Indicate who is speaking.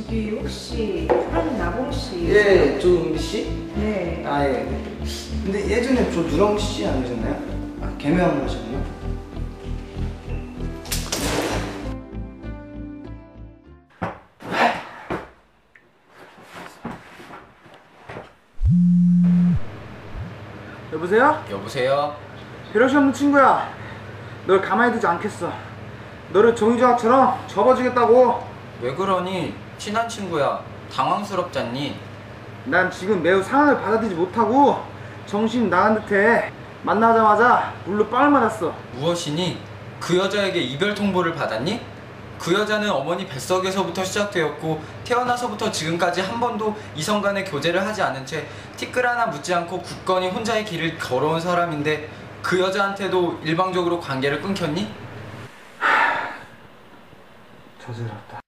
Speaker 1: 저기 혹시 한나봉 씨?
Speaker 2: 예, 조은비 씨?
Speaker 1: 네.
Speaker 2: 아, 예. 근데 예전에 저 누렁 씨 아니셨나요? 아, 개명하셨나? 여보세요?
Speaker 3: 여보세요?
Speaker 2: 배려시 없는 친구야. 널 가만히 두지 않겠어. 너를 종이조각처럼 접어주겠다고.
Speaker 3: 왜 그러니? 친한 친구야. 당황스럽잖니?
Speaker 2: 난 지금 매우 상황을 받아들이지 못하고 정신 나간 듯해. 만나자마자 물로 빵을 맞았어.
Speaker 3: 무엇이니? 그 여자에게 이별 통보를 받았니? 그 여자는 어머니 뱃속에서부터 시작되었고 태어나서부터 지금까지 한 번도 이성 간의 교제를 하지 않은 채 티끌 하나 묻지 않고 굳건히 혼자의 길을 걸어온 사람인데 그 여자한테도 일방적으로 관계를 끊겼니?
Speaker 2: 저질렀다.